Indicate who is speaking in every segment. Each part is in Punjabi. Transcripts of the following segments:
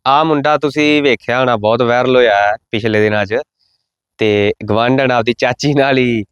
Speaker 1: ਆ ਮੁੰਡਾ ਤੁਸੀਂ ਵੇਖਿਆ ਹੋਣਾ, ਬਹੁਤ ਵਾਇਰਲ ਹੋਇਆ ਪਿਛਲੇ ਦਿਨਾਂ 'ਚ। ਤੇ ਗਵਾਂਢਣ ਆਪਦੀ ਚਾਚੀ ਨਾਲ ਹੀ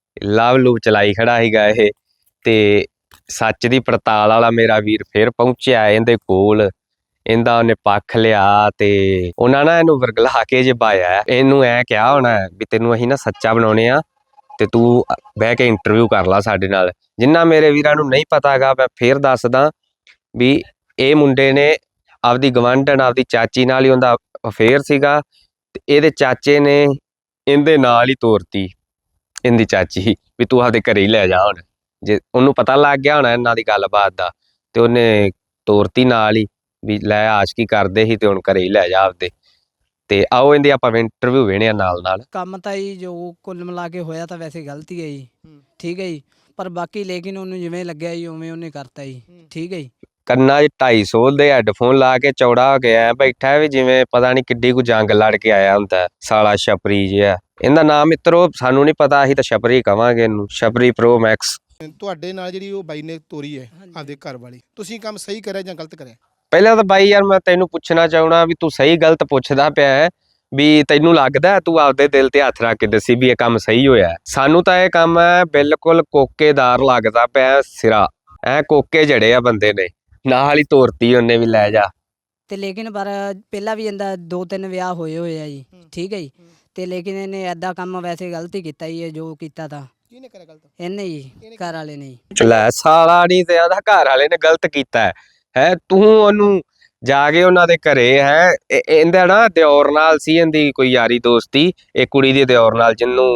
Speaker 1: ਲਵ ਲੂਪ ਚਲਾਈ ਖੜਾ ਸੀਗਾ ਇਹ। ਤੇ ਸੱਚ ਦੀ ਪੜਤਾਲ ਵਾਲਾ ਮੇਰਾ ਵੀਰ ਫਿਰ ਪਹੁੰਚਿਆ ਇਹਦੇ ਕੋਲ। ਇਹਦਾ ਉਹਨੇ ਪੱਖ ਲਿਆ ਤੇ ਉਹਨਾਂ ਨਾ ਇਹਨੂੰ ਵਰਗਲਾ ਕੇ ਜੇ ਪਾਇਆ। ਇਹਨੂੰ ਐ ਕਿਹਾ ਹੋਣਾ ਵੀ ਤੈਨੂੰ ਅਸੀਂ ਨਾ ਸੱਚਾ ਬਣਾਉਣੇ ਆ ਤੇ ਤੂੰ ਬਹਿ ਕੇ ਇੰਟਰਵਿਊ ਕਰ ਲਾ ਸਾਡੇ ਨਾਲ। ਜਿੰਨਾ ਮੇਰੇ ਵੀਰਾਂ ਨੂੰ ਨਹੀਂ ਪਤਾ ਹੈਗਾ, ਮੈਂ ਫੇਰ ਦੱਸਦਾ ਵੀ ਇਹ ਮੁੰਡੇ ਨੇ ਆਪਦੀ ਗਵਾਂਢਣ ਆਪਦੀ ਚਾਚੀ ਨਾਲ ਹੀ ਉਹਦਾ ਅਫੇਅਰ ਸੀਗਾ। ਤੇ ਇਹਦੇ ਚਾਚੇ ਨੇ ਇਹਦੇ ਨਾਲ ਹੀ ਤੋਰਤੀ ਇਹਦੀ ਚਾਚੀ ਵੀ ਤੂੰ ਆਪਦੇ ਘਰੇ ਹੀ ਲੈ ਜਾ। ਹੁਣ ਜੇ ਉਹਨੂੰ ਪਤਾ ਲੱਗ ਗਿਆ ਹੋਣਾ ਇਹਨਾਂ ਦੀ ਗੱਲਬਾਤ ਦਾ, ਤੇ ਉਹਨੇ ਤੋਰਤੀ ਨਾਲ ਹੀ ਵੀ ਲੈ ਆਸ਼ਕੀ ਕਰਦੇ ਸੀ ਤੇ ਹੁਣ ਘਰੇ ਹੀ ਲੈ ਜਾ ਆਪਦੇ। ਤੇ ਆਓ ਇਹਦੀ ਆਪਾਂ ਇੰਟਰਵਿਊ ਵੇਣੇ ਆ ਨਾਲ ਨਾਲ।
Speaker 2: ਕੰਮ ਤਾਂ ਜੀ ਜੋ ਕੁੱਲ ਮਿਲਾ ਕੇ ਹੋਇਆ ਤਾਂ ਵੈਸੇ ਗਲਤੀ ਹੈ ਜੀ, ਠੀਕ ਹੈ ਜੀ। ਪਰ ਬਾਕੀ ਲੇਕਿਨ ਉਹਨੂੰ ਜਿਵੇਂ ਲੱਗਿਆ ਜੀ ਉਵੇਂ ਉਹਨੇ ਕਰਤਾ ਜੀ, ਠੀਕ ਹੈ ਜੀ।
Speaker 1: ਕੰਨਾਂ 'ਚ 250 ਦੇ ਹੈਡਫੋਨ ਲਾ ਕੇ ਚੌੜਾ ਹੋ ਗਿਆ ਬੈਠਾ ਵੀ ਜਿਵੇਂ ਪਤਾ ਨਹੀਂ ਕਿੱਡੀ ਕੁ ਜੰਗ ਲੜ ਕੇ ਆਇਆ ਹੁੰਦਾ ਸਾਲਾ ਛਪਰੀ ਜਿਹਾ। ਇਹਦਾ ਨਾਮ ਮਿੱਤਰੋ ਸਾਨੂੰ ਨਹੀਂ ਪਤਾ, ਅਸੀਂ ਤਾਂ ਛਪਰੀ ਕਵਾਂਗੇ ਇਹਨੂੰ, ਛਪਰੀ ਪ੍ਰੋ ਮੈਕਸ।
Speaker 3: ਤੁਹਾਡੇ ਨਾਲ ਜਿਹੜੀ ਉਹ ਬਾਈ ਨੇ ਤੋਰੀ ਹੈ ਆਪਦੇ ਘਰ ਵਾਲੀ, ਤੁਸੀਂ ਕੰਮ ਸਹੀ ਕਰਿਆ ਜਾਂ ਗਲਤ ਕਰਿਆ?
Speaker 1: ਪਹਿਲਾਂ ਤਾਂ ਬਾਈ ਯਾਰ ਮੈਂ ਤੈਨੂੰ ਪੁੱਛਣਾ ਚਾਹਣਾ ਵੀ ਤੂੰ ਸਹੀ ਗਲਤ ਪੁੱਛਦਾ ਪਿਆ ਹੈ ਵੀ ਤੈਨੂੰ ਲੱਗਦਾ ਤੂੰ ਆਪਦੇ ਦਿਲ ਤੇ ਹੱਥ ਰੱਖ ਕੇ ਦੱਸੀ ਵੀ ਇਹ ਕੰਮ ਸਹੀ ਹੋਇਆ? ਸਾਨੂੰ ਤਾਂ ਇਹ ਕੰਮ ਹੈ ਬਿਲਕੁਲ ਕੋਕੇਦਾਰ ਲੱਗਦਾ ਪਿਆ ਸਿਰਾ। ਐ ਕੋਕੇ ਜੜੇ ਆ ਬੰਦੇ ਨੇ, ਨਾਲ ਹੀ ਤੋਰਤੀ ਉਹਨੇ ਵੀ ਲੈ ਜਾ।
Speaker 2: ਤੇ ਲੇਕਿਨ ਪਰ ਪਹਿਲਾਂ ਵੀ ਇਹਦਾ 2-3 ਵਿਆਹ ਹੋਏ ਆ ਜੀ, ਠੀਕ ਹੈ ਜੀ। ਤੇ ਲੇਕਿਨ ਇਹਨੇ ਐਦਾਂ ਕੰਮ ਵੈਸੇ ਗਲਤ ਹੀ ਕੀਤਾ ਜੀ, ਇਹ ਜੋ ਕੀਤਾ ਤਾਂ
Speaker 3: ਕਿਹਨੇ ਕਰਿਆ ਗਲਤ?
Speaker 2: ਇਹਨੇ ਜੀ, ਘਰ ਵਾਲੇ ਨੇ ਜੀ।
Speaker 1: ਲੈ ਸਾਲਾ ਨਹੀਂ ਤੇ ਉਹਦਾ ਘਰ ਵਾਲੇ ਨੇ ਗਲਤ ਕੀਤਾ ਹੈ। ਤੂੰ ਉਹਨੂੰ ਜਾ ਕੇ ਉਹਨਾਂ ਦੇ ਘਰੇ ਹੈ ਇਹਦਾ ਨਾ ਦਿਓਰ ਨਾਲ ਸੀ ਇਹਦੀ ਕੋਈ ਯਾਰੀ ਦੋਸਤੀ, ਇਹ ਕੁੜੀ ਦੀ ਦਿਓਰ ਨਾਲ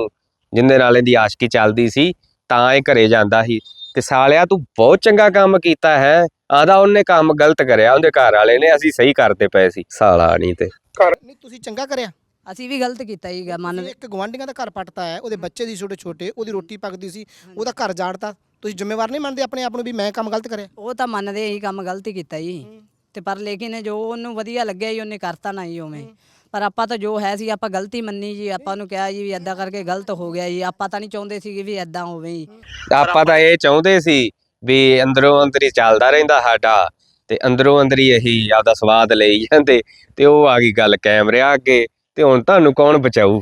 Speaker 1: ਜਿਹਦੇ ਨਾਲ ਇਹਦੀ ਆਸ਼ਕੀ ਚੱਲਦੀ ਸੀ, ਤਾਂ ਇਹ ਘਰੇ ਜਾਂਦਾ ਸੀ। ਤੇ ਸਾਲਿਆ ਤੂੰ ਬਹੁਤ ਚੰਗਾ ਕੰਮ ਕੀਤਾ ਹੈ। ਆਦਾ ਉਹਨੇ ਕੰਮ ਗਲਤ ਕਰਿਆ, ਉਹਦੇ ਘਰ ਵਾਲੇ ਨੇ, ਅਸੀਂ ਸਹੀ ਕਰਦੇ ਪਏ ਸੀ। ਸਾਲਾ ਨਹੀਂ ਤੇ
Speaker 3: ਨਹੀਂ ਤੁਸੀਂ ਚੰਗਾ ਕਰਿਆ।
Speaker 2: ਅਸੀਂ ਵੀ ਗਲਤ ਕੀਤਾ ਜੀ, ਮੰਨ।
Speaker 3: ਇੱਕ ਗਵਾਂਢੀਆਂ ਦਾ ਘਰ ਪੱਟਤਾ ਹੈ, ਉਹਦੇ ਬੱਚੇ ਦੀ ਛੋਟੇ, ਉਹਦੀ ਰੋਟੀ ਪੱਕਦੀ ਸੀ, ਉਹਦਾ ਘਰ ਜਾੜਤਾ। ਤੁਸੀਂ ਜ਼ਿੰਮੇਵਾਰ ਨਹੀਂ ਮੰਨਦੇ ਆਪਣੇ ਆਪ ਨੂੰ ਵੀ ਮੈਂ ਕੰਮ ਗਲਤ ਕਰਿਆ?
Speaker 2: ਉਹ ਤਾਂ ਮੰਨਦੇ ਹੀ ਕੰਮ ਗਲਤ ਹੀ ਕੀਤਾ ਜੀ। ਤੇ ਪਰ ਲੇਕਿਨ ਜੋ ਉਹਨੂੰ ਵਧੀਆ ਲੱਗਿਆ ਜੀ ਉਹਨੇ ਕਰਤਾ ਨਾ ਜੀ ਉਵੇਂ। ਪਰ ਆਪਾਂ ਤਾਂ ਜੋ ਹੈ ਸੀ ਆਪਾਂ ਗਲਤੀ ਮੰਨੀ ਜੀ, ਆਪਾਂ ਨੂੰ ਕਿਹਾ ਜੀ ਵੀ ਐਦਾਂ ਕਰਕੇ ਗਲਤ ਹੋ ਗਿਆ ਜੀ। ਆਪਾਂ ਤਾਂ ਨਹੀਂ ਚਾਹੁੰਦੇ ਸੀਗੇ ਵੀ ਐਦਾਂ ਹੋਵੇ ਜੀ।
Speaker 1: ਆਪਾਂ ਤਾਂ ਇਹ ਚਾਹੁੰਦੇ ਸੀ ਵੀ ਅੰਦਰੋਂ ਅੰਦਰੀ ਚੱਲਦਾ ਰਹਿੰਦਾ ਸਾਡਾ, ਤੇ ਅੰਦਰੋਂ ਅੰਦਰੀ ਇਹੀ ਆਪਦਾ ਸਵਾਦ ਲਈ ਜਾਂਦੇ। ਤੇ ਉਹ ਆ ਗਈ ਗੱਲ ਕੈਮਰਿਆਂ ਅੱਗੇ, ਤੇ ਹੁਣ ਤੁਹਾਨੂੰ ਕੌਣ ਬਚਾਊ?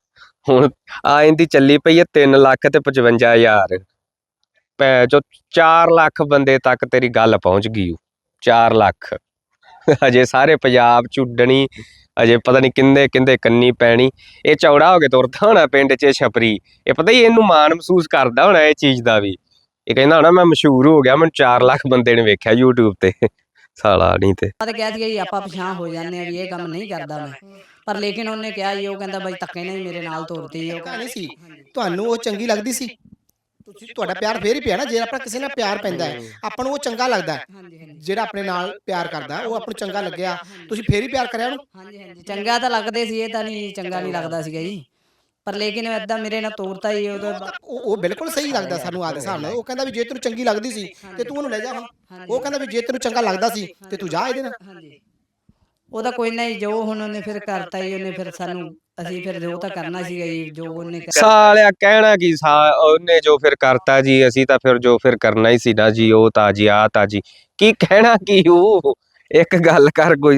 Speaker 1: ਹੁਣ ਆ ਇਹਦੀ ਚੱਲੀ ਪਈ ਹੈ 3,55,000। ਭੈ ਚੋ 4 ਲੱਖ ਬੰਦੇ ਤੱਕ ਤੇਰੀ ਗੱਲ ਪਹੁੰਚ ਗਈ। 4 ਲੱਖ ਅਜੇ ਸਾਰੇ ਪੰਜਾਬ ਚ ਉੱਡਣੀ, ਅਜੇ ਪਤਾ ਨਹੀਂ ਕਿੰਦੇ ਕਿੰਦੇ ਕੰਨੀ ਪੈਣੀ। ਇਹ ਚੌੜਾ ਹੋ ਕੇ ਤੁਰਦਾ ਹੋਣਾ ਪਿੰਡ 'ਚ ਛਪਰੀ। ਇਹ ਪਤਾ ਹੀ ਇਹਨੂੰ ਮਾਣ ਮਹਿਸੂਸ ਕਰਦਾ ਹੋਣਾ ਇਹ ਚੀਜ਼ ਦਾ ਵੀ। ਇਹ ਕਹਿੰਦਾ ਹੋਣਾ ਮੈਂ ਮਸ਼ਹੂਰ ਹੋ ਗਿਆ, ਮੈਨੂੰ 4 ਲੱਖ ਬੰਦੇ ਨੇ ਵੇਖਿਆ YouTube ਤੇ। ਸਾਲਾ ਨਹੀਂ ਤੇ
Speaker 2: ਆਪਾਂ ਤਾਂ ਕਿਹਾ ਸੀਗਾ ਜੀ ਆਪਾਂ ਪਛਾਣ ਹੋ ਜਾਂਦੇ ਆ ਵੀ ਇਹ ਕੰਮ ਨਹੀਂ ਕਰਦਾ ਮੈਂ। ਪਰ ਲੇਕਿਨ ਉਹਨੇ ਕਿਹਾ ਜੀ, ਉਹ ਕਹਿੰਦਾ ਬਾਈ ਧੱਕੇ ਨਾਲ ਹੀ ਮੇਰੇ ਨਾਲ ਤੋਰਤੀ। ਉਹ
Speaker 3: ਨਹੀਂ ਸੀ ਤੁਹਾਨੂੰ ਉਹ ਚੰਗੀ ਲੱਗਦੀ ਸੀ? ਤੁਸੀਂ ਤੁਹਾਡਾ ਪਿਆਰ ਫੇਰ ਹੀ ਪਿਆ ਨਾ, ਜੇ ਆਪਣਾ ਕਿਸੇ ਨਾਲ ਪਿਆਰ ਪੈਂਦਾ ਹੈ ਆਪਾਂ ਨੂੰ ਉਹ ਚੰਗਾ ਲੱਗਦਾ। ਜਿਹੜਾ ਆਪਣੇ ਨਾਲ ਪਿਆਰ ਕਰਦਾ ਉਹ ਆਪਾਂ ਨੂੰ ਚੰਗਾ ਲੱਗਿਆ, ਤੁਸੀਂ ਫੇਰ ਹੀ ਪਿਆਰ ਕਰਿਆ ਉਹਨੂੰ?
Speaker 2: ਹਾਂਜੀ ਚੰਗਾ ਤਾਂ ਲੱਗਦੇ ਸੀ, ਇਹ ਤਾਂ ਨਹੀਂ ਚੰਗਾ ਨਹੀਂ ਲੱਗਦਾ ਸੀਗਾ ਜੀ। ਪਰ ਲੇਕਿਨ ਐਦਾਂ ਮੇਰੇ ਨਾਲ ਤੋਰਤਾ ਹੀ
Speaker 3: ਉਹ ਬਿਲਕੁਲ ਸਹੀ ਲੱਗਦਾ ਸਾਨੂੰ ਆਦੇ ਹਿਸਾਬ ਨਾਲ। ਉਹ ਕਹਿੰਦਾ ਵੀ ਜੇ ਤੈਨੂੰ ਚੰਗੀ ਲੱਗਦੀ ਸੀ ਤੇ ਤੂੰ ਉਹਨੂੰ ਲੈ ਜਾ। ਹੁਣ ਉਹ ਕਹਿੰਦਾ ਵੀ ਜੇ ਤੈਨੂੰ ਚੰਗਾ ਲੱਗਦਾ ਸੀ ਤੇ ਤੂੰ ਜਾ ਇਹਦੇ ਨਾਲ।
Speaker 2: ਉਹਦਾ ਕੋਈ ਨਹੀਂ, ਜੋ ਹੁਣ ਉਹਨੇ ਫਿਰ ਕਰਤਾ ਹੀ ਉਹਨੇ, ਫਿਰ ਸਾਨੂੰ ਅਸੀਂ ਫਿਰ ਜੋ ਤਾਂ ਕਰਨਾ ਸੀਗਾ ਜੀ ਜੋ ਉਹਨੇ।
Speaker 1: ਸਾਲਿਆ ਕਹਿਣਾ ਕੀ ਉਹਨੇ ਜੋ ਫਿਰ ਕਰਤਾ ਜੀ, ਅਸੀਂ ਤਾਂ ਫਿਰ ਜੋ ਫਿਰ ਕਰਨਾ ਹੀ ਸੀ ਨਾ ਜੀ। ਉਹ ਤਾਂ ਜੀ ਆ ਤਾਂ ਜੀ ਕੀ ਕਹਿਣਾ ਕੀ, ਉਹ ਇੱਕ ਗੱਲ ਕਰ ਕੋਈ।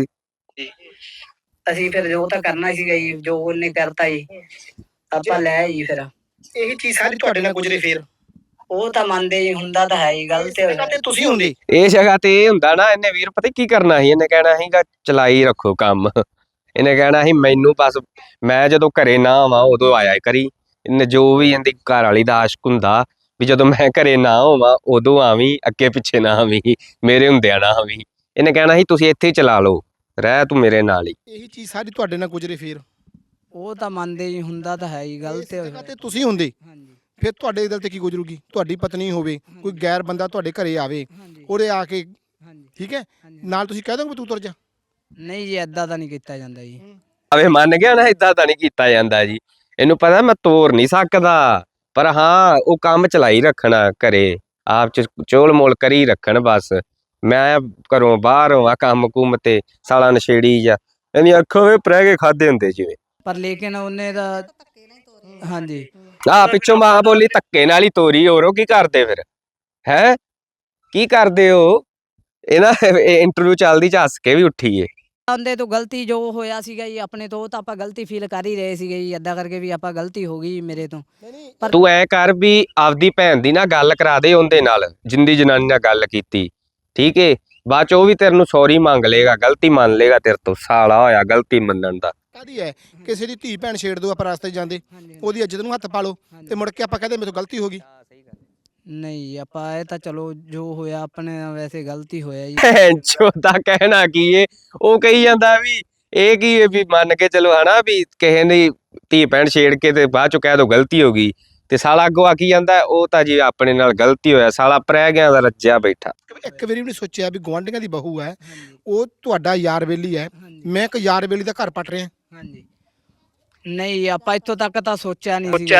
Speaker 2: ਅਸੀਂ ਫਿਰ ਜੋ ਤਾਂ ਕਰਨਾ ਸੀਗਾ ਜੀ ਜੋ ਉਹਨੇ ਕਰਤਾ ਜੀ, ਆਪਾਂ ਲੈ ਜੀ। ਫਿਰ
Speaker 3: ਇਹੀ ਚੀਜ਼ ਸਾਰੀ ਤੁਹਾਡੇ ਨਾਲ ਗੁਜ਼ਰੀ ਫੇਰ?
Speaker 2: ਉਹ ਤਾਂ ਮੰਨਦੇ ਜੀ, ਹੁੰਦਾ ਤਾਂ ਹੈ ਹੀ, ਗਲਤ ਹੋਇਆ
Speaker 3: ਤੇ ਤੁਸੀਂ ਹੁੰਦੇ
Speaker 1: ਇਸ ਜਗ੍ਹਾ ਤੇ ਇਹ ਹੁੰਦਾ ਨਾ, ਇਹਨੇ ਵੀਰ ਪਤਾ ਕੀ ਕਰਨਾ ਸੀ? ਇਹਨੇ ਕਹਿਣਾ ਸੀਗਾ ਚਲਾਈ ਰੱਖੋ ਕੰਮ। ਇਹਨੇ ਕਹਿਣਾ ਸੀ ਮੈਨੂੰ ਬਸ ਮੈਂ ਜਦੋਂ ਘਰੇ ਨਾ ਆਵਾਂ ਉਦੋਂ ਆਇਆ ਕਰੀ। ਇਹਨੇ ਜੋ ਵੀ ਇਹਦੀ ਘਰ ਵਾਲੀ ਦਾ ਆਸ਼ਕ ਹੁੰਦਾ ਵੀ ਜਦੋਂ ਮੈਂ ਘਰੇ ਨਾ ਹੋਵਾਂ ਉਦੋਂ ਆਵੀਂ, ਅੱਗੇ ਪਿੱਛੇ ਨਾ ਆਵੀਂ, ਮੇਰੇ ਹੁੰਦਿਆਂ ਨਾ ਆਵੀਂ। ਇਹਨੇ ਕਹਿਣਾ ਸੀ ਤੁਸੀਂ ਇੱਥੇ ਹੀ ਚਲਾ ਲਓ, ਰਹਿ ਤੂੰ ਮੇਰੇ ਨਾਲ ਹੀ।
Speaker 3: ਇਹੀ ਚੀਜ਼ ਸਾਰੀ ਤੁਹਾਡੇ ਨਾਲ ਗੁਜ਼ਰੇ ਫੇਰ?
Speaker 2: ਉਹ ਤਾਂ ਮੰਨਦੇ ਜੀ, ਹੁੰਦਾ ਤਾਂ ਹੈ ਹੀ, ਗਲਤ ਹੋਇਆ।
Speaker 3: ਤੇ ਤੁਸੀਂ ਹੁੰਦੇ ਫਿਰ ਤੁਹਾਡੇ ਦਿਲ ਤੇ ਕੀ ਗੁਜ਼ਰੂਗੀ? ਤੁਹਾਡੀ ਪਤਨੀ ਹੋਵੇ, ਕੋਈ ਗੈਰ ਬੰਦਾ ਤੁਹਾਡੇ ਘਰੇ ਆਵੇ, ਉਹਦੇ ਆ ਕੇ ਠੀਕ ਹੈ ਨਾਲ ਤੁਸੀਂ ਕਹਿ ਦੋਗੇ ਤੂੰ ਤੁਰ ਜਾ?
Speaker 2: ਨਹੀਂ ਜੀ ਐਦਾਂ ਤਾਂ ਨਹੀਂ ਕੀਤਾ ਜਾਂਦਾ ਜੀ।
Speaker 1: ਆਵੇ ਮੰਨ ਗਿਆ ਨਾ, ਏਦਾਂ ਤਾਂ ਨਹੀਂ ਕੀਤਾ ਜਾਂਦਾ ਜੀ। ਇਹਨੂੰ ਪਤਾ ਮੈਂ ਤੋਰ ਨਹੀਂ ਸਕਦਾ, ਪਰ ਹਾਂ ਉਹ ਕੰਮ ਚਲਾਈ ਰੱਖਣਾ ਘਰੇ, ਆਪ ਚ ਚੋਲ ਮੋਲ ਕਰੀ ਰੱਖਣ ਬਸ। ਮੈਂ ਘਰੋਂ ਬਾਹਰ ਹੋਵਾਂ ਕੰਮ ਕੁੰਮ ਤੇ ਸਾਲਾ ਨਸ਼ੇੜੀ ਜਾਂ ਇਹਦੀਆਂ ਅੱਖਾਂ ਵੇ ਪ੍ਰਹਿ ਕੇ ਖਾਦੇ ਹੁੰਦੇ ਜਿਵੇਂ।
Speaker 2: ਪਰ ਲੇਕਿਨ ਉਹਨੇ ਤਾਂ ਹਾਂਜੀ
Speaker 1: ਪਿੱਛੋਂ ਮਾਂ ਬੋਲੀ ਧੱਕੇ ਨਾਲ ਹੀ ਤੋਰੀ। ਹੋਰ ਉਹ ਕੀ ਕਰਦੇ ਫਿਰ? ਹੈ ਕੀ ਕਰਦੇ ਹੋ? ਇਹ ਨਾ ਇੰਟਰਵਿਊ ਚੱਲਦੀ ਚ ਹੱਸ ਕੇ ਵੀ ਉੱਠੀਏ।
Speaker 2: ਉਹਦੇ ਤੋਂ ਗਲਤੀ ਜੋ ਹੋਇਆ ਸੀਗਾ ਜੀ ਆਪਣੇ ਤੋਂ, ਉਹ ਤਾਂ ਆਪਾਂ ਗਲਤੀ ਫੀਲ ਕਰ ਹੀ ਰਹੇ ਸੀਗੇ ਜੀ, ਏਦਾਂ ਕਰਕੇ ਵੀ ਆਪਾਂ ਗਲਤੀ ਹੋ ਗਈ ਮੇਰੇ ਤੋਂ। ਪਰ
Speaker 1: ਤੂੰ ਐ ਕਰ ਵੀ ਆਪਦੀ ਭੈਣ ਦੀ ਨਾ ਗੱਲ ਕਰਾ ਦੇ ਉਹਦੇ ਨਾਲ, ਜਿੰਦੀ ਜਨਾਨੀ ਨਾਲ ਗੱਲ ਕੀਤੀ, ਠੀਕ ਏ। ਬਾਅਦ ਚ ਉਹ ਵੀ ਤੇਰੇ ਨੂੰ ਸੌਰੀ ਮੰਗ ਲੇਗਾ, ਗਲਤੀ ਮੰਨ ਲੇਗਾ ਤੇਰੇ ਤੋਂ, ਸਾਲਾ ਹੋਇਆ ਗਲਤੀ ਮੰਨਣ ਦਾ।
Speaker 3: ਕਾਹਦੀ ਹੈ, ਕਿਸੇ ਦੀ ਧੀ ਭੈਣ ਛੇੜ ਦੋ ਆਪਾਂ ਰਸਤੇ 'ਚ ਜਾਂਦੇ, ਉਹਦੀ ਇੱਜ਼ਤ ਨੂੰ ਹੱਥ ਪਾ ਲਓ ਤੇ ਮੁੜ ਕੇ ਆਪਾਂ ਕਹਦੇ ਮੇਰੇ ਤੋਂ ਗਲਤੀ ਹੋ ਗਈ।
Speaker 2: ਨਹੀਂ ਆਪਾਂ ਇਹ ਤਾਂ ਚਲੋ ਜੋ ਹੋਇਆ ਆਪਣੇ ਨਾਲ ਵੈਸੇ ਗਲਤੀ ਹੋਇਆ ਜੀ।
Speaker 1: ਚੋਦਾ ਕਹਿਣਾ ਕੀ ਏ, ਉਹ ਕਹੀ ਜਾਂਦਾ ਵੀ ਇਹ ਕੀ ਏ ਵੀ ਮੰਨ ਕੇ ਚਲੋ ਹਨਾ ਵੀ ਕਿਸੇ ਦੀ ਧੀ ਭੈਣ ਛੇੜ ਕੇ ਤੇ ਬਾਅਦ ਚ ਕਹਿ ਦੋ ਗਲਤੀ ਹੋ ਗਈ, ਤੇ ਸਾਲਾ ਅੱਗੋਂ ਆਖੀ ਜਾਂਦਾ ਉਹ ਤਾਂ ਜੀ ਆਪਣੇ ਨਾਲ ਗਲਤੀ ਹੋਇਆ, ਸਾਲਾ ਪ੍ਰਹਿ ਗਿਆ ਦਾ ਰੱਜਿਆ ਬੈਠਾ।
Speaker 3: ਇੱਕ ਵਾਰੀ ਵੀ ਨਹੀਂ ਸੋਚਿਆ ਵੀ ਗੁਆਂਢੀਆਂ ਦੀ ਬਹੂ ਹੈ, ਉਹ ਤੁਹਾਡਾ ਯਾਰ ਬੇਲੀ ਹੈ, ਮੈਂ ਇੱਕ ਯਾਰ ਬੇਲੀ ਦਾ ਘਰ ਪੱਟ ਰਿਹਾ।
Speaker 2: ਹਾਂਜੀ ਨਹੀਂ ਆਪਾਂ ਇੱਥੋਂ ਤੱਕ ਤਾਂ ਸੋਚਿਆ ਨਹੀਂ ਸੀ।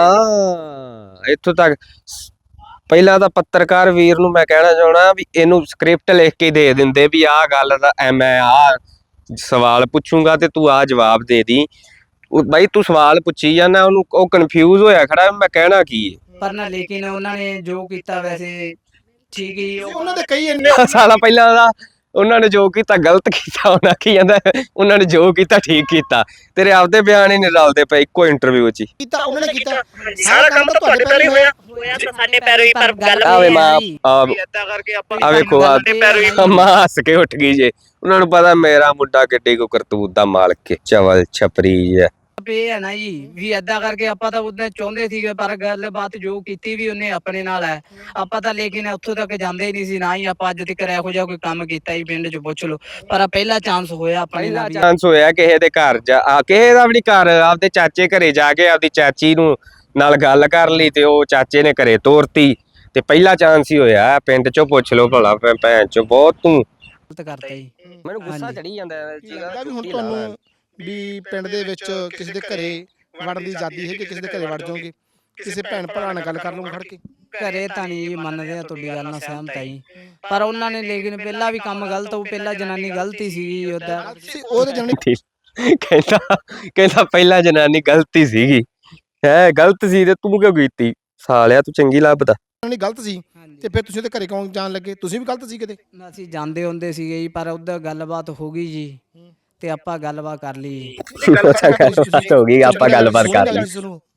Speaker 1: ਹਾਂ ਇੱਥੋਂ ਤੱਕ ਪਹਿਲਾਂ ਤਾਂ ਪੱਤਰਕਾਰ ਵੀਰ ਨੂੰ ਮੈਂ ਕਹਿਣਾ ਚਾਹਣਾ ਵੀ ਇਹਨੂੰ ਸਕ੍ਰਿਪਟ ਲਿਖ ਕੇ ਦੇ ਦਿੰਦੇ ਵੀ ਆਹ ਗੱਲ ਦਾ ਮੈਂ ਆਹ ਸਵਾਲ ਪੁੱਛੂੰਗਾ ਤੇ ਤੂੰ ਆਹ ਜਵਾਬ ਦੇ ਦੀ। ਬਾਈ ਤੂੰ ਸਵਾਲ ਪੁੱਛੀ ਜਾਂਦਾ ਉਹਨੂੰ, ਉਹ ਕਨਫਿਊਜ਼ ਹੋਇਆ ਖੜਾ ਮੈਂ ਕਹਿਣਾ ਕੀ ਹੈ।
Speaker 2: ਪਰ ਨਾ ਲੇਕਿਨ ਉਹਨਾਂ ਨੇ ਜੋ ਕੀਤਾ ਵੈਸੇ ਠੀਕ ਹੀ
Speaker 3: ਉਹਨਾਂ ਦੇ ਕਈ ਇੰਨੇ
Speaker 1: ਸਾਲਾ ਪਹਿਲਾਂ ਦਾ ਉਹਨਾਂ ਨੇ ਜੋ ਕੀਤਾ ਗਲਤ ਕੀਤਾ, ਉਹਨਾਂ ਕੀ ਕਹਿੰਦਾ ਉਹਨਾਂ ਨੇ ਜੋ ਕੀਤਾ ਠੀਕ ਕੀਤਾ। ਤੇਰੇ ਆਪਦੇ ਬਿਆਨ ਹੀ ਨਹੀਂ ਰਲਦੇ ਪਏ ਇੱਕੋ ਇੰਟਰਵਿਊ 'ਚ।
Speaker 3: ਕੀਤਾ ਉਹਨਾਂ ਨੇ ਕੀਤਾ, ਸਾਰਾ ਕੰਮ ਤਾਂ ਤੁਹਾਡੇ ਪੈਰ ਹੀ ਹੋਇਆ
Speaker 4: ਤਾਂ ਸਾਡੇ ਪੈਰੋਂ ਹੀ, ਪਰ ਗੱਲ
Speaker 1: ਆਵੇ ਮਾਂ
Speaker 4: ਏਦਾਂ ਕਰਕੇ ਆਪਾਂ
Speaker 1: ਆ ਵੇਖੋ ਮਾਂ ਹੱਸ ਕੇ ਉੱਠ ਗਈ ਜੇ, ਉਹਨਾਂ ਨੂੰ ਪਤਾ ਮੇਰਾ ਮੁੰਡਾ ਕਿੱਡੀ ਕੋ ਕਰਤੂਤ ਦਾ ਮਾਲਕ ਹੈ, ਚਵਲ ਛਪਰੀ ਹੈ।
Speaker 2: ਇਹ ਹੈ ਨਾ ਜੀ ਵੀ ਏਦਾਂ ਕਰਕੇ ਆਪਾਂ ਤਾਂ ਉਹਨੇ ਚਾਹੁੰਦੇ ਸੀਗੇ, ਪਰ ਗੱਲਬਾਤ ਜੋ ਕੀਤੀ ਵੀ ਉਹਨੇ ਆਪਣੇ ਨਾਲ ਹੈ। ਆਪਾਂ ਤਾਂ ਲੇਕਿਨ ਉੱਥੋਂ ਤੱਕ ਜਾਂਦੇ ਹੀ ਨਹੀਂ ਸੀ, ਨਾ ਹੀ ਆਪਾਂ ਅੱਜ ਤੱਕ ਇਹੋ ਜਿਹਾ ਕੋਈ ਕੰਮ ਕੀਤਾ ਹੀ ਪਿੰਡ 'ਚ ਪੁੱਛ ਲਓ। ਪਰ ਪਹਿਲਾ ਚਾਂਸ ਹੋਇਆ ਆਪਣੇ ਨਾਲ ਵੀ।
Speaker 1: ਚਾਂਸ ਹੋਇਆ ਕਿਸੇ ਦੇ ਘਰ ਜਾ, ਕਿਸੇ ਦਾ ਵੀ ਨਹੀਂ ਘਰ, ਆਪਦੇ ਚਾਚੇ ਘਰੇ ਜਾ ਕੇ ਆਪਦੀ ਚਾਚੀ ਨੂੰ ਨਾਲ ਗੱਲ ਕਰ ਲਈ ਤੇ ਉਹ ਚਾਚੇ ਨੇ ਘਰੇ ਤੋਰਤੀ, ਤੇ ਪਹਿਲਾ ਚਾਂਸ ਹੀ ਹੋਇਆ। ਪਿੰਡ 'ਚੋਂ ਪੁੱਛ ਲਓ ਭਲਾ, ਭੈਣ 'ਚੋਂ ਬਹੁਤ ਤੂੰ
Speaker 2: ਗਲਤ ਕਰਤਾ ਜੀ।
Speaker 1: ਮੈਨੂੰ ਗੁੱਸਾ ਚੜੀ ਜਾਂਦਾ
Speaker 3: ਲੱਗਦਾ ਵੀ ਹੁਣ ਤੁਹਾਨੂੰ ਵੀ ਪਿੰਡ ਦੇ ਵਿੱਚ ਕਿਸੇ ਦੇ ਘਰੇ ਵੜਨ ਦੀ ਆਜ਼ਾਦੀ ਹੈ ਕਿ ਕਿਸੇ ਦੇ ਘਰੇ ਵੜ ਜਾਓਗੇ, ਕਿਸੇ ਭੈਣ ਭਰਾ ਨਾਲ ਗੱਲ ਕਰ ਲਓਗੇ ਖੜ ਕੇ?
Speaker 2: ਘਰੇ ਤਾਂ ਨਹੀਂ ਮੰਨਦੇ ਆ, ਤੁਹਾਡੀ ਗੱਲ ਨਾਲ ਸਹਿਮਤ ਆ ਜੀ, ਪਰ ਉਹਨਾਂ ਨੇ ਲੇਕਿਨ ਪਹਿਲਾਂ ਵੀ ਕੰਮ ਗਲਤ, ਉਹ ਪਹਿਲਾਂ ਜਨਾਨੀ ਗਲਤੀ ਸੀਗੀ ਉਹਦਾ।
Speaker 3: ਉਹਦੇ ਜਨਾਨੀ
Speaker 1: ਕਹਿੰਦਾ ਪਹਿਲਾਂ ਜਨਾਨੀ ਗਲਤੀ ਸੀਗੀ, ਹੈ ਗਲਤ ਸੀ ਤੇ ਤੂੰ ਕਿਉਂ ਕੀਤੀ? ਸਾਲਿਆ ਤੂੰ ਚੰਗੀ ਲੱਭਦਾ।
Speaker 3: ਗਲਤ ਸੀ ਤੇ ਫਿਰ ਤੁਸੀਂ ਉਹਦੇ ਘਰੇ ਕਿਉਂ ਜਾਣ ਲੱਗੇ? ਤੁਸੀਂ ਵੀ ਗਲਤ ਸੀ ਕਿਤੇ?
Speaker 2: ਅਸੀਂ ਜਾਂਦੇ ਹੁੰਦੇ ਸੀਗੇ ਜੀ, ਪਰ ਉਹਦਾ ਗੱਲਬਾਤ ਹੋ ਗਈ ਜੀ ਤੇ ਆਪਾਂ ਗੱਲਬਾਤ ਕਰ ਲਈ।
Speaker 1: ਗੱਲਬਾਤ ਹੋ ਗਈ, ਆਪਾਂ ਗੱਲਬਾਤ ਕਰ ਲਈ।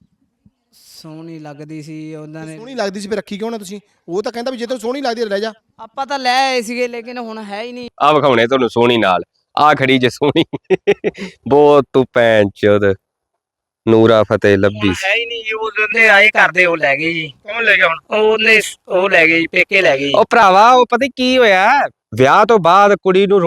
Speaker 2: ਸੋਹਣੀ ਲੱਗਦੀ ਸੀ ਉਹਨਾਂ ਨੇ।
Speaker 3: ਸੋਹਣੀ ਲੱਗਦੀ ਸੀ ਫਿਰ ਰੱਖੀ ਕਿਉਂ ਨਾ ਤੁਸੀਂ? ਉਹ ਤਾਂ ਕਹਿੰਦਾ ਵੀ ਜੇ ਤੈਨੂੰ ਸੋਹਣੀ ਲੱਗਦੀ ਲੈ ਜਾ।
Speaker 2: ਆਪਾਂ ਤਾਂ ਲੈ ਆਏ ਸੀਗੇ, ਲੇਕਿਨ ਹੁਣ ਹੈ ਹੀ ਨਹੀਂ।
Speaker 1: ਆ ਵਿਖਾਉਣੇ ਤੁਹਾਨੂੰ ਸੋਹਣੀ ਨਾਲ, ਆ ਖੜੀ ਜੇ ਸੋਹਣੀ ਬਹੁਤ ਤੂੰ ਭੈਣ ਚੋਦ ਨੂਰਾ ਫਤਿਹ ਲੱਭੀ
Speaker 4: ਹੈ ਹੀ ਨਹੀਂ ਜੀ, ਉਹਦੇ ਆਏ ਕਰਦੇ ਉਹ ਲੈ ਗਏ ਜੀ। ਕੌਣ ਲੈ ਗਿਆ ਹੁਣ? ਉਹ ਲੈ ਗਏ ਜੀ, ਪੇਕੇ ਲੈ ਗਏ ਜੀ।
Speaker 1: ਉਹ ਭਰਾਵਾ ਉਹ ਪਤਾ ਕੀ ਹੋਇਆ, ਵਿਆਹ ਤੋਂ ਬਾਅਦ ਕੁੜੀ ਨੂੰ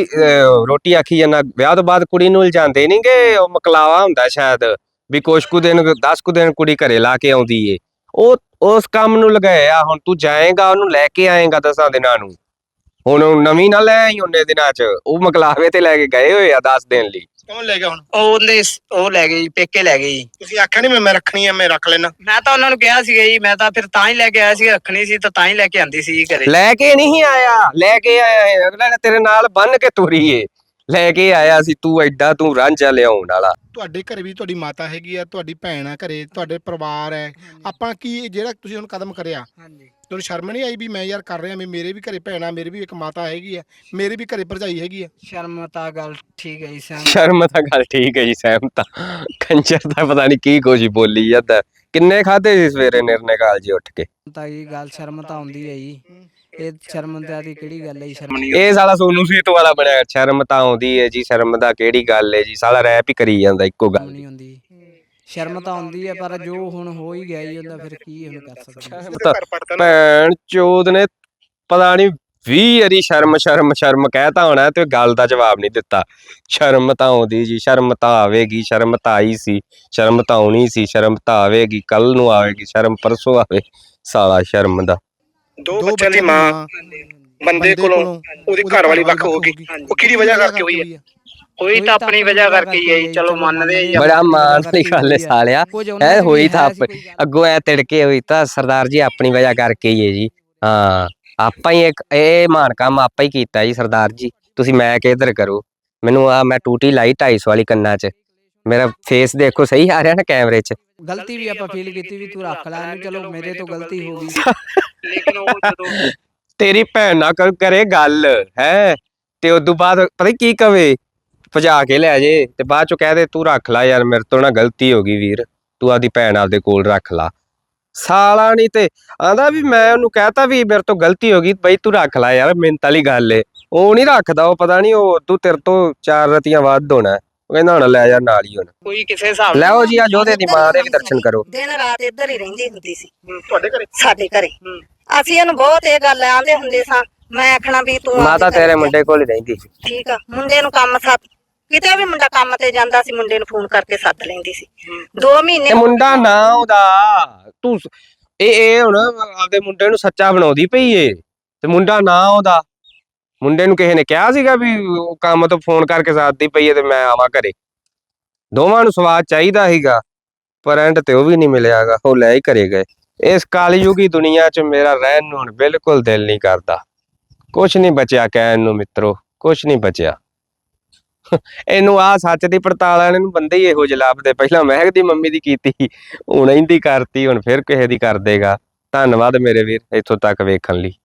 Speaker 1: ਰੋਟੀ ਆਖੀ ਜਾਂਦਾ, ਵਿਆਹ ਤੋਂ ਬਾਅਦ ਕੁੜੀ ਨੂੰ ਲਿਜਾਂਦੇ ਨਹੀਂਗੇ, ਉਹ ਮਕਲਾਵਾ ਹੁੰਦਾ ਸ਼ਾਇਦ ਵੀ ਕੁਛ ਕੁ ਦਿਨ 10 ਕੁ ਦਿਨ ਕੁੜੀ ਘਰੇ ਲਾ ਕੇ ਆਉਂਦੀ ਏ, ਉਹ ਉਸ ਕੰਮ ਨੂੰ ਲਗਾਇਆ। ਹੁਣ ਤੂੰ ਜਾਏਗਾ ਉਹਨੂੰ ਲੈ ਕੇ ਆਏਗਾ 10 ਦਿਨਾਂ ਨੂੰ, ਹੁਣ ਨਵੀਂ ਨਾ ਲੈ ਆਈ ਉਹਨੇ ਦਿਨਾਂ ਚ, ਉਹ ਮਕਲਾਵੇ ਤੇ ਲੈ ਕੇ ਗਏ ਹੋਏ ਆ 10 ਦਿਨ ਲਈ।
Speaker 3: ਕੌਣ ਲੈ ਗਿਆ ਹੁਣ?
Speaker 4: ਉਹ ਲੈ ਗਏ ਜੀ, ਪੇਕੇ ਲੈ ਗਏ ਜੀ।
Speaker 3: ਤੁਸੀਂ ਆਖਿਆ ਨਹੀਂ ਮੈਂ ਰੱਖਣੀ ਆ, ਮੈਂ ਰੱਖ ਲੈਣਾ?
Speaker 4: ਮੈਂ ਤਾਂ ਉਹਨਾਂ ਨੂੰ ਕਿਹਾ ਸੀਗਾ ਜੀ, ਮੈਂ ਤਾਂ ਫਿਰ ਤਾਂ ਹੀ ਲੈ ਕੇ ਆਇਆ ਸੀ, ਰੱਖਣੀ ਸੀ ਤਾਂ ਹੀ ਲੈ ਕੇ ਆਂਦੀ ਸੀ ਘਰੇ।
Speaker 1: ਲੈ ਕੇ ਨਹੀਂ ਆਇਆ, ਲੈ ਕੇ ਆਇਆ ਅਗਲਾ ਨੇ ਤੇਰੇ ਨਾਲ ਬੰਨ ਕੇ ਤੁਰੀ ਏ, ਲੈ ਕੇ ਆਇਆ ਸੀ। ਤੂੰ ਐਡਾ ਤੂੰ ਰਾਂਝਾ ਲਿਆਉਣ ਵਾਲਾ।
Speaker 3: ਤੁਹਾਡੇ ਘਰੇ ਵੀ ਤੁਹਾਡੀ ਮਾਤਾ ਹੈਗੀ ਆ, ਤੁਹਾਡੀ ਭੈਣ ਆ ਘਰੇ, ਤੁਹਾਡੇ ਪਰਿਵਾਰ ਹੈ। ਆਪਾਂ ਕੀ ਜਿਹੜਾ ਤੁਸੀਂ ਹੁਣ ਕਦਮ ਕਰਿਆ, ਤੁਹਾਨੂੰ ਸ਼ਰਮ ਨਹੀਂ ਆਈ ਵੀ ਮੈਂ ਯਾਰ ਕਰ ਰਿਹਾ, ਮੇਰੇ ਵੀ ਘਰੇ ਭੈਣ ਆ, ਮੇਰੀ ਵੀ ਇੱਕ ਮਾਤਾ ਹੈਗੀ ਆ, ਮੇਰੇ ਵੀ ਘਰੇ ਭਰਜਾਈ ਹੈਗੀ ਆ?
Speaker 2: ਸ਼ਰਮ ਤਾਂ ਗੱਲ ਠੀਕ ਹੈ ਜੀ,
Speaker 1: ਸ਼ਰਮ ਤਾਂ ਗੱਲ ਠੀਕ ਹੈ ਜੀ, ਸਹਿਮਤ। ਕੰਜਰ ਦਾ ਪਤਾ ਨਹੀਂ ਕੀ ਕੁਝ ਬੋਲੀ ਜਾਂਦਾ। ਕਿੰਨੇ ਖਾਦੇ ਸੀ ਸਵੇਰੇ ਨਿਰਨੇ ਕਾਲ ਜੀ ਉੱਠ ਕੇ?
Speaker 2: ਤਾਂ ਇਹ ਗੱਲ ਸ਼ਰਮ ਤਾਂ ਆਉਂਦੀ ਹੈ ਜੀ, ਇਹ ਸ਼ਰਮ ਦੀ ਕਿਹੜੀ ਗੱਲ ਹੈ ਜੀ? ਸ਼ਰਮ
Speaker 1: ਇਹ ਸਾਲਾ ਸੋਨੂ ਸੀਤ ਵਾਲਾ ਬਣਿਆ, ਸ਼ਰਮ ਤਾਂ ਆਉਂਦੀ ਹੈ ਜੀ, ਸ਼ਰਮ ਦਾ ਕਿਹੜੀ ਗੱਲ ਹੈ ਜੀ, ਸਾਲਾ ਰੈਪ ਹੀ ਕਰੀ ਜਾਂਦਾ ਇੱਕੋ ਗੱਲ।
Speaker 2: ਨਹੀਂ ਹੁੰਦੀ, ਸ਼ਰਮ ਤਾਂ ਆਉਂਦੀ ਹੈ, ਪਰ ਜੋ ਹੁਣ ਹੋ ਹੀ ਗਿਆ ਜੀ ਉਹਦਾ ਫਿਰ ਕੀ ਹੁਣ ਕਰ ਸਕਦੇ।
Speaker 1: ਭੈਣ ਚੋਦ ਨੇ ਪਤਾ ਨਹੀਂ 20 ਵਾਰੀ ਸ਼ਰਮ ਸ਼ਰਮ ਸ਼ਰਮ ਕਹਿਤਾ ਹੋਣਾ ਤੇ ਗੱਲ ਦਾ ਜਵਾਬ ਨਹੀਂ ਦਿੱਤਾ। ਸ਼ਰਮ ਤਾਂ ਆਉਂਦੀ ਜੀ, ਸ਼ਰਮ ਤਾਂ ਆਵੇਗੀ, ਸ਼ਰਮ ਤਾਂ ਆਈ ਸੀ, ਸ਼ਰਮ ਤਾਂ ਆਉਣੀ ਸੀ, ਸ਼ਰਮ ਤਾਂ ਆਵੇਗੀ, ਕੱਲ ਨੂੰ ਆਵੇਗੀ, ਸ਼ਰਮ ਪਰਸੋਂ ਆਵੇ। ਸਾਲਾ ਸ਼ਰਮ ਦਾ।
Speaker 3: ਦੋ ਬੱਚਿਆਂ ਦੀ ਮਾਂ ਬੰਦੇ ਕੋਲੋਂ ਉਹਦੀ ਘਰ ਵਾਲੀ ਵੱਖ ਹੋ ਗਈ, ਉਹ ਕਿਹਦੀ ਵਜ੍ਹਾ ਕਰਕੇ ਹੋਈ ਹੈ?
Speaker 4: ਹੋਈ ਤਾਂ ਆਪਣੀ ਵਜ੍ਹਾ ਕਰਕੇ ਹੀ ਹੈ ਜੀ, ਚਲੋ ਮੰਨਦੇ ਜੀ।
Speaker 1: ਬੜਾ ਮਾਣ ਵਾਲੀ ਗੱਲ ਹੈ ਸਾਲਿਆ, ਐ ਹੋਈ ਤਾਂ ਅੱਗੋਂ ਐ ਤਿੜਕੇ ਹੋਈ ਤਾਂ ਸਰਦਾਰ ਜੀ ਆਪਣੀ ਵਜ੍ਹਾ ਕਰਕੇ ਹੀ ਹੈ ਜੀ। ਹਾਂ ਆਪਾਂ ਹੀ ਇਹ ਮਾਣ ਕੰਮ ਆਪਾਂ ਹੀ ਕੀਤਾ ਜੀ ਸਰਦਾਰ ਜੀ। ਤੁਸੀਂ ਮੈਂ ਕਿਧਰ ਕਰੋ, ਮੈਨੂੰ ਆ ਮੈਂ ਟੂਟੀ ਲਾਈ 250 ਵਾਲੀ ਕੰਨਾਂ 'ਚ, ਮੇਰਾ ਫੇਸ ਦੇਖੋ ਸਹੀ ਆ ਰਿਹਾ ਨਾ ਕੈਮਰੇ 'ਚ।
Speaker 2: ਗਲਤੀ ਵੀ ਆਪਾਂ ਫੀਲ ਕੀਤੀ ਵੀ ਤੂੰ ਰੱਖ ਲੈ ਇਹਨੂੰ, ਚਲੋ ਮੇਰੇ ਤੋਂ ਗਲਤੀ ਹੋ ਗਈ।
Speaker 4: ਲੇਕਿਨ ਉਹ ਜਦੋਂ
Speaker 1: ਤੇਰੀ ਭੈਣ ਨਾਲ ਕਰੇ ਗੱਲ ਹੈ, ਤੇ ਉਦੋਂ ਬਾਅਦ ਪਤਾ ਕੀ ਕਵੇ, ਭਜਾ ਕੇ ਲੈ ਜੇ ਤੇ ਬਾਅਦ ਚੋਂ ਕਹਿ ਦੇ ਤੂੰ ਰੱਖ ਲੈ ਯਾਰ, ਮੇਰੇ ਤੋਂ ਨਾ ਗਲਤੀ ਹੋ ਗਈ ਵੀਰ, ਤੂੰ ਆਪਦੀ ਭੈਣ ਆਪਦੇ ਕੋਲ ਰੱਖ ਲਾ। ਸਾਲਾ ਨਹੀਂ ਤੇ ਆਂਦਾ ਵੀ ਮੈਂ ਉਹਨੂੰ ਕਹਿਤਾ ਵੀ ਮੇਰੇ ਤੋਂ ਗਲਤੀ ਹੋ ਗਈ ਬਈ ਤੂੰ ਰੱਖ ਲੈ ਯਾਰ, ਮਿੰਤ ਵਾਲੀ ਗੱਲ ਏ। ਉਹ ਨਹੀਂ ਰੱਖਦਾ, ਉਹ ਪਤਾ ਨਹੀਂ ਉਹ ਤੂੰ ਤੇਰੇ ਤੋਂ 4 ਰਤੀਆਂ ਵੱਧ ਹੋਣਾ। ਉਹ ਕਹਿੰਦਾ ਹੁਣ ਲੈ ਜਾ ਨਾਲ ਹੀ ਹੁਣ।
Speaker 4: ਕੋਈ ਕਿਸੇ ਹਿਸਾਬ
Speaker 1: ਲੈਓ ਜੀ ਆ ਜੋਧੇ ਦੀ ਮਾਂ ਦੇ ਵੀ ਦਰਸ਼ਨ ਕਰੋ।
Speaker 5: ਦਿਨ ਰਾਤ ਇੱਧਰ ਹੀ ਰਹਿੰਦੀ ਹੁੰਦੀ ਸੀ
Speaker 3: ਤੁਹਾਡੇ ਘਰੇ
Speaker 5: ਸਾਡੇ ਘਰੇ। ਅਸੀਂ ਇਹਨੂੰ ਬਹੁਤ ਇਹ ਗੱਲ ਆਂਦੇ ਹੁੰਦੇ ਸਾਂ। ਮੈਂ ਆਖਣਾ ਵੀ ਤੂੰ
Speaker 1: ਮਾਤਾ
Speaker 5: ਆਪਦੇ
Speaker 1: ਤੇਰੇ
Speaker 5: ਘਰੇ
Speaker 1: ਮੁੰਡੇ ਕੋਲ ਹੀ ਰਹਿੰਦੀ ਸੀ।
Speaker 5: ਠੀਕ ਆ, ਮੁੰਡੇ ਨੂੰ ਕੰਮ ਸੱਦ, ਕਿਤੇ ਵੀ ਮੁੰਡਾ ਕੰਮ ਤੇ ਜਾਂਦਾ ਸੀ ਮੁੰਡੇ ਨੂੰ ਫੋਨ ਕਰਕੇ ਸੱਦ ਲੈਂਦੀ ਸੀ। 2 ਮਹੀਨੇ
Speaker 1: ਤੇ ਮੁੰਡਾ ਨਾ ਉਹਦਾ ਤੂੰ ਇਹ ਹੁਣ ਆਪਦੇ ਮੁੰਡੇ ਨੂੰ ਸੱਚਾ ਬਣਾਉਂਦੀ ਪਈ ਏ, ਤੇ ਮੁੰਡਾ ਨਾ ਉਹਦਾ। ਮੁੰਡੇ ਨੂੰ ਕਿਸੇ ਨੇ ਕਿਹਾ ਸੀਗਾ ਵੀ ਉਹ ਕੰਮ ਤੋਂ ਫੋਨ ਕਰਕੇ ਸੱਦਦੀ ਪਈ ਏ ਤੇ ਮੈਂ ਆਵਾਂ ਘਰੇ? ਦੋਵਾਂ ਨੂੰ ਸਵਾਦ ਚਾਹੀਦਾ ਸੀਗਾ, ਪਰ ਐਂਡ ਤੇ ਉਹ ਵੀ ਨਹੀਂ ਮਿਲਿਆਗਾ, ਉਹ ਲੈ ਹੀ ਘਰੇ ਗਏ। ਇਸ ਕਾਲਯੁਗੀ ਦੁਨੀਆ 'ਚ ਮੇਰਾ ਰਹਿਣ ਨੂੰ ਹੁਣ ਬਿਲਕੁਲ ਦਿਲ ਨਹੀਂ ਕਰਦਾ। ਕੁਛ ਨਹੀਂ ਬਚਿਆ ਕਹਿਣ ਨੂੰ ਮਿੱਤਰੋ, ਕੁਛ ਨਹੀਂ ਬਚਿਆ। ਇਹਨੂੰ ਆ ਸੱਚ ਦੀ ਪੜਤਾਲ ਵਾਲੇ ਨੂੰ ਬੰਦੇ ਹੀ ਇਹੋ ਜਿਹੇ ਲੱਭਦੇ। ਪਹਿਲਾਂ ਮਹਿਕ ਦੀ ਮੰਮੀ ਦੀ ਕੀਤੀ, ਹੁਣ ਇਹਦੀ ਕਰਤੀ, ਹੁਣ ਫਿਰ ਕਿਸੇ ਦੀ ਕਰ ਦੇਗਾ। ਧੰਨਵਾਦ ਮੇਰੇ ਵੀਰ ਇੱਥੋਂ ਤੱਕ ਵੇਖਣ ਲਈ।